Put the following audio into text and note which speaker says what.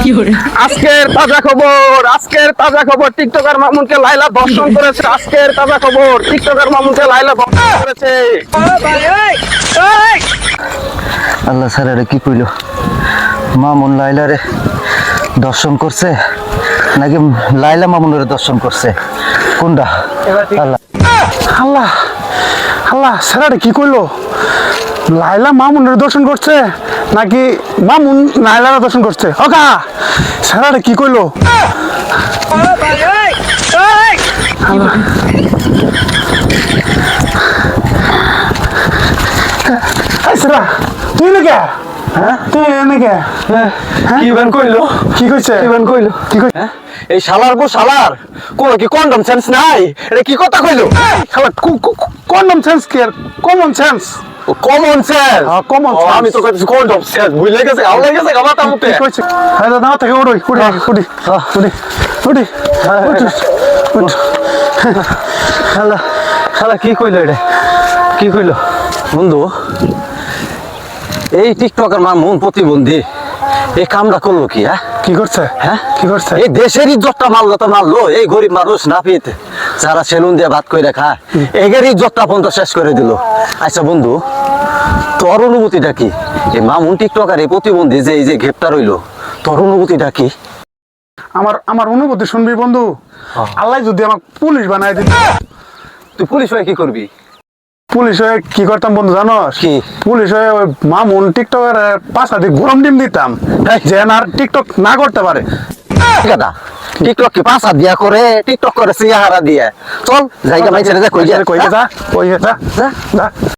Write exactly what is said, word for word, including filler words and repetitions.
Speaker 1: আজকের তাজা খবর আজকের তাজা খবর টিকটকার মামুনকে লাইলা ধর্ষণ করেছে। আজকের তাজা খবর টিকটকার মামুনকে লাইলা ধর্ষণ করেছে।
Speaker 2: আল্লাহ স্যার আরে কি কইল, মামুন লাইলারে দর্শন করছে নাকি লাইলা মামুনের দর্শন করছে, কোনটা? আল্লাহ
Speaker 3: আল্লাহ আল্লাহ স্যার কি কইলো, লাইলা মামুনের দর্শন করছে নাকি মামুন লাইলার দর্শন করছে? ওকা স্যার কি কইলো? আল্লাহ। এই স্যার তুই নাকি হ্যাঁ তুই নাকি
Speaker 1: কি বেন কইলো?
Speaker 3: কি কইছে?
Speaker 1: কি বেন কইলো?
Speaker 3: কি কই
Speaker 1: এই শালার গো শালার কোন কি কন্ডম সেন্স নাই? এটা কি কথা কইলো?
Speaker 3: শালা কমন সেন্স কি আর কমন সেন্স?
Speaker 1: Common sense.
Speaker 3: হ্যাঁ, common sense.
Speaker 1: আমি তো কইছি কন্ডম সেন্স। ভুলে গেছে, আউলে গেছে গামাতা মুতে।
Speaker 3: কি কইছে? হ্যাঁ দাদা থেকে উড়ি উড়ি উড়ি উড়ি উড়ি উড়ি
Speaker 2: আল্লাহ আল্লাহ কি কইলো, এটা কি কইলো? বন্ধু, এই টিকটকের মামুন প্রতিবন্ধী এই কামটা করলো কি? হ্যাঁ
Speaker 3: কি করছে?
Speaker 2: হ্যাঁ
Speaker 3: কি করছে?
Speaker 2: এই দেশের ইজ্জতটা মারলো তো মারলো, এই গরিব মানুষ নাপিত যারা সেলুন দিয়ে ভাত করে খায় এগের ইজ্জতটা পর্যন্ত শেষ করে দিল। আচ্ছা বন্ধু, তোর অনুভূতিটা কি? এই মামুন টিকটকার এই প্রতিবন্ধী যে এই যে গ্রেপ্তার হইলো, তোর অনুভূতিটা কি?
Speaker 3: আমার আমার অনুভূতি শুনবি বন্ধু, আল্লাহ যদি আমাকে পুলিশ বানায় দিত,
Speaker 2: তুই পুলিশ হয়ে কি করবি?
Speaker 3: পুলিশ হয়ে কি করতাম বন্ধু জানোস?
Speaker 2: কি?
Speaker 3: পুলিশ হয়ে ওই মামুন টিকটকের পাশা দিয়ে গরম ডিম দিতাম যে আর টিকটক না করতে পারে।
Speaker 2: দাদা টিকটক কি পাঁচ হাত দিয়া করে? টিকটক করে সিয়াহারা দিয়ে চল জায়গা মাইছে রে, কই যা
Speaker 3: কই যা কই যা
Speaker 2: যা।
Speaker 3: যা